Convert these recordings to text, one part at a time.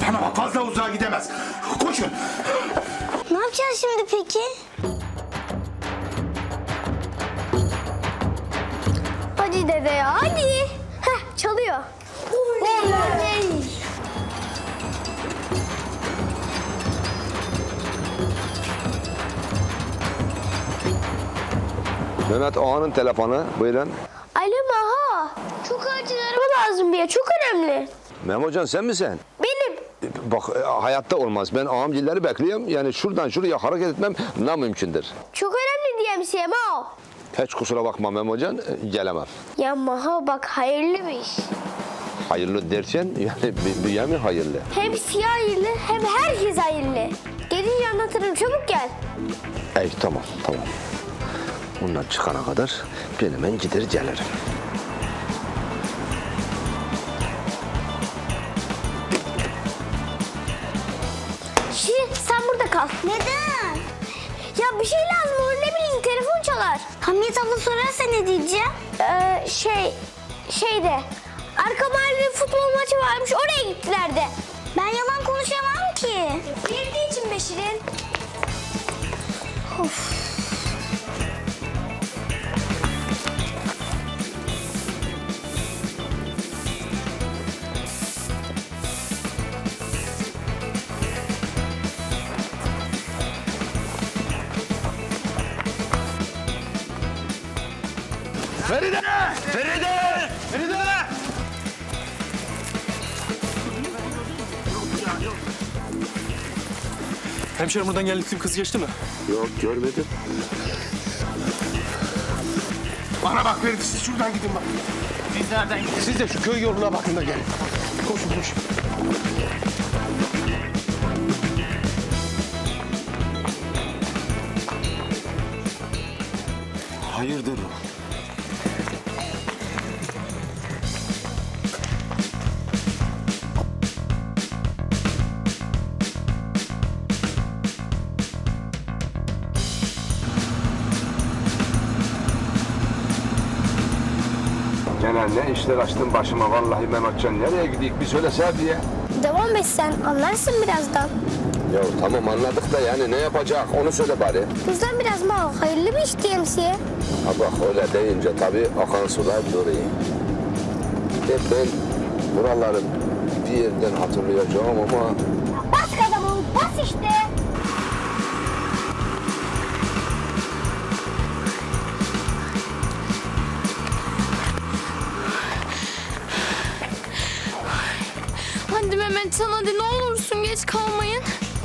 Bana bak, fazla uzağa gidemez. Koşun. Ne yapacağız şimdi peki? Hadi dede ya, hadi. Heh, çalıyor. Oley! Mehmet Ağa'nın telefonu. Buyurun. Alo Maho. Çok acil araba lazım bir ya, çok önemli. Memocan sen misin? Benim. Bak hayatta olmaz. Ben ağamgilleri bekliyorum. Yani şuradan şuraya hareket etmem namümkündür. Çok önemli diyemsiye Maho. Hiç kusura bakma Memocan, gelemem. Ya Maho bak, hayırlı bir iş. Hayırlı dersen yani bir mi hayırlı? Hem siyah hayırlı hem herkes hayırlı. Gelince anlatırım, çabuk gel. Ey tamam. Bundan çıkana kadar ben hemen gider gelirim. Şirin sen burada kal. Neden? Ya bir şey lazım olur, ne bileyim, telefon çalar. Hamiyet abla sorarsa ne diyeceğim? Şeyde arka mahallede futbol maçı varmış, oraya gittiler de. Ben yalan konuşamam ki. Bildiği için be Şirin. Of. Feride! Feride! Feride! Hemşerim buradan geldikleri kız geçti mi? Yok görmedim. Bana bak Feride, siz şuradan gidin bak. Biz nereden gidiyoruz? Siz de şu köy yoluna bakın da gelin. Koşun. Hayırdır o? Gene ne işler açtın başıma vallahi Mehmetcan. Nereye gideyim bir söylese diye. Devam et sen, anlarsın birazdan. Ya tamam anladık da yani ne yapacak onu söyle bari. Bizden biraz Maho, hayırlı bir iş diyemsiye. Ha bak öyle deyince tabii akan sular duruyor. Ben buraları bir yerden hatırlayacağım ama... Bas kadamı, bas işte. Hadi Mehmetcan, hadi ne olursun geç kalmayın.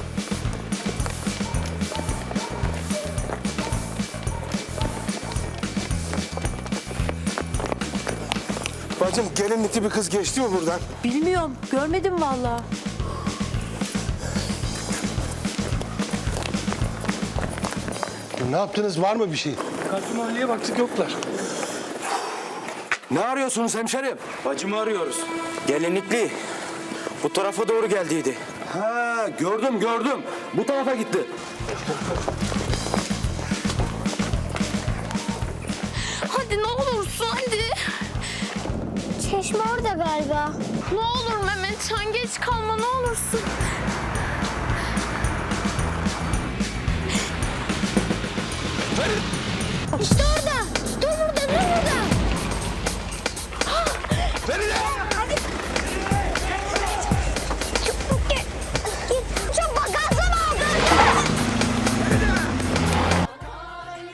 Bacım, gelinlikli bir kız geçti mi buradan? Bilmiyorum, görmedim vallahi. Ne yaptınız, var mı bir şey? Karşı mahalleye baktık yoklar. Ne arıyorsunuz hemşerim? Bacımı arıyoruz. Gelinlikli. Bu tarafa doğru geldiydi. Ha, gördüm. Bu tarafa gitti. Hadi ne olursun hadi. Çeşme orada galiba. Ne olur Mehmetcan, geç kalma ne olursun. İşte orada.